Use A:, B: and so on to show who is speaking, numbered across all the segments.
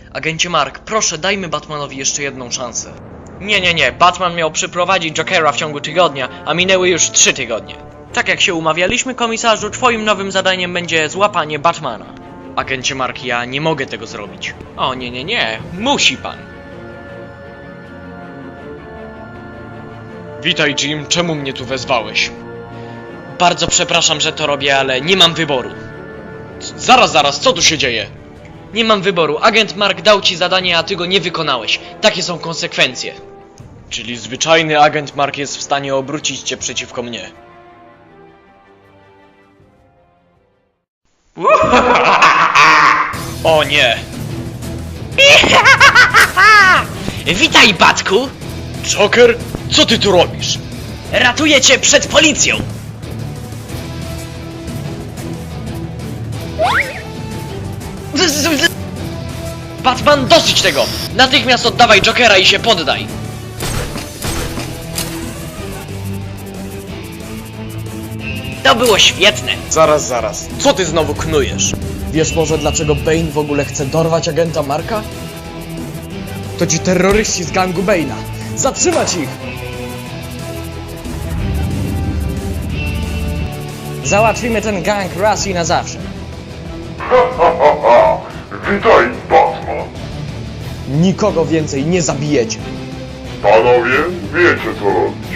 A: Agencie Mark, proszę, dajmy Batmanowi jeszcze jedną szansę. Nie. Batman miał przyprowadzić Jokera w ciągu tygodnia, a minęły już 3 tygodnie. Tak jak się umawialiśmy, komisarzu, twoim nowym zadaniem będzie złapanie Batmana. Agencie Mark, ja nie mogę tego zrobić. O, nie. Musi pan. Witaj, Jim. Czemu mnie tu wezwałeś? Bardzo przepraszam, że to robię, ale nie mam wyboru. Zaraz, co tu się dzieje? Nie mam wyboru. Agent Mark dał ci zadanie, a ty go nie wykonałeś. Takie są konsekwencje. Czyli zwyczajny agent Mark jest w stanie obrócić cię przeciwko mnie. O nie! Witaj, Batku! Joker, co ty tu robisz? Ratuję cię przed policją! Batman, dosyć tego! Natychmiast oddawaj Jokera i się poddaj! To było świetne! Zaraz. Co ty znowu knujesz? Wiesz może dlaczego Bane w ogóle chce dorwać agenta Marka? To ci terroryści z gangu Bane'a. Zatrzymać ich! Załatwimy ten gang raz i na zawsze.
B: Witaj, Batman.
A: Nikogo więcej nie zabijecie.
B: Panowie, wiecie co robić.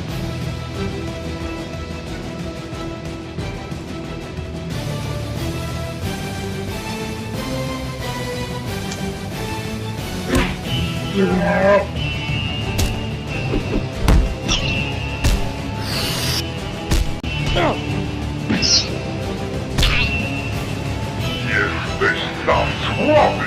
B: Jesteś za słaby.